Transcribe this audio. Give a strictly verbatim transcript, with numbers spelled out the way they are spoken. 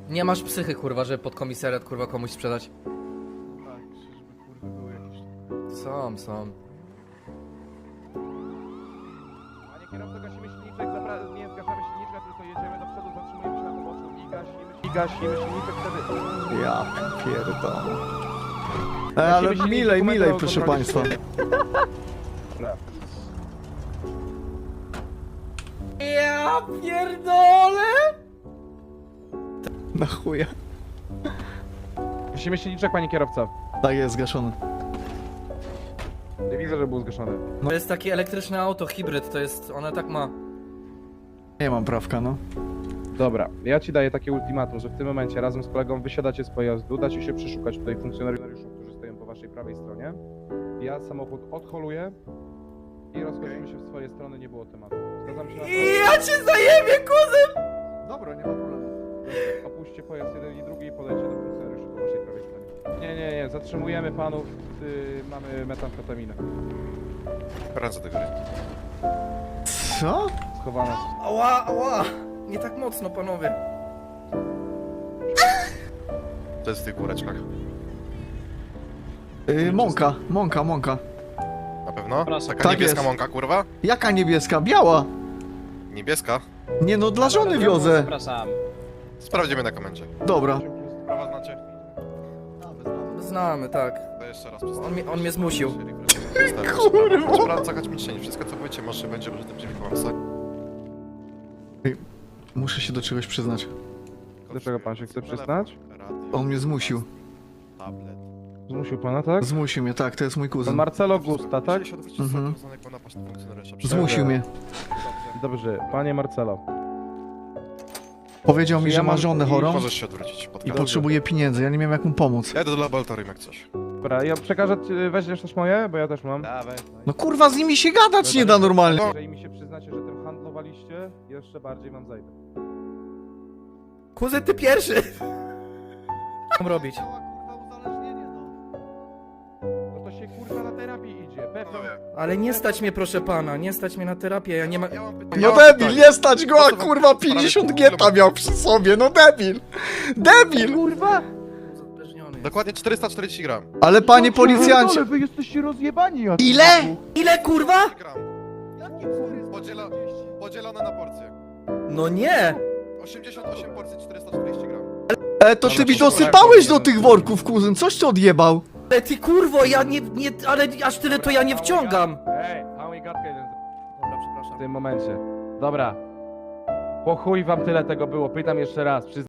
Nie masz psychy, kurwa, żeby pod komisariat, kurwa, komuś sprzedać. Tak, żeby kurwy były jakieś... Są, są. Panie kierowco, gasimy silniczek, zabra... nie zgaszamy silniczka, tylko jedziemy do przodu, zatrzymujemy się na poboczu i gasimy, i gasimy silniczek wtedy. Ja pierdolę. E, ale Gasimy silniczek, milej, dokumenty milej, o proszę kontroli państwa. Dobra. Ja pierdolę! Na chuja. Gasimy silniczek, panie kierowco. Tak jest, zgaszony. Nie widzę, że był zgaszony. To jest takie elektryczne auto, hybryd, to jest, ona tak ma. Nie mam prawka, no. Dobra, ja ci daję takie ultimatum, że w tym momencie razem z kolegą wysiadacie z pojazdu, dacie się przeszukać tutaj funkcjonariuszów, którzy stoją po waszej prawej stronie. Ja samochód odholuję i rozchodzimy się w swoje strony, nie było tematu. Zgadzam się na to? Ja cię zajebie, kuzyn! Dobra, nie ma problemu. Opuśćcie pojazd jeden i drugi i podejdźcie do funkcjonariuszy po waszej prawej stronie. Nie, nie, nie, zatrzymujemy panów, yy, mamy metamfetaminę. Ręce do góry. Co? Schowana. Ała, ała! Nie tak mocno, panowie. To jest w tych góreczkach. Yy, mąka, mąka, mąka. Na pewno? Taka Tak niebieska jest. mąka, kurwa? Jaka niebieska? Biała! Niebieska? Nie no, dla żony wiozę. Zapraszam. Sprawdzimy na komendzie. Dobra. Prawa znacie? Znamy, tak. To jeszcze raz przedstawię. On mnie- on mnie zmusił. Kurwa! Sprawa cakać mi cień. Wszystko co powiecie może będzie użyte przeciwko wam. Sa- Muszę się do czegoś przyznać. Do czego pan się chce przyznać? Radio, On mnie zmusił. tablet. Zmusił pana, tak? Zmusił mnie, tak, to jest mój Pan kuzyn. Marcelo Gusta, tak? Musieli się odwrócić Mhm. mhm. z jako napaść na funkcjonariusza. Zmusił mnie. Dobrze, panie Marcelo. Powiedział mi, Ja że ma mam- żonę chorą Możesz się odwrócić. Pod i kamień. potrzebuje pieniędzy. Ja nie miałem jak mu pomóc. Ja idę do laboratorium jak coś. Dobra, ja przekażę, ci- weźmiesz też moje, bo ja też mam. Dawaj. No kurwa, z nimi się gadać nie da normalnie. Jeżeli mi się przyznacie, że tym handlowaliście, jeszcze bardziej wam zajdę. Kuzyn, ty pierwszy! Co mam robić? No to się kurwa na terapii idzie, pewnie. Panowie, Ale nie stać mnie, proszę pana, nie stać mnie na terapię, ja nie ma... ja mam pytanie. No Ja mam debil, pytanie. nie stać go, a Po co wam kurwa w sprawie pięćdziesiąt kilometrów? geta miał przy sobie, no debil! Debil! Kurwa! Uzależniony jest. Dokładnie czterysta czterdzieści gram. Ale panie policjancie... Ale wy jesteście rozjebani, ja Ile? Ile, kurwa? gram. Podziela... Podzielone na porcje. No nie! osiemdziesiąt osiem porcji, czterysta czterdzieści gram. E, to ty mi dosypałeś do tych worków, kuzyn, coś ty odjebał. Ale ty kurwo, ja nie, nie, ale aż tyle to ja nie wciągam. Ej, mały gadkę jeden Dobra, przepraszam. w tym momencie. Dobra. Po chuj wam tyle tego było, pytam jeszcze raz.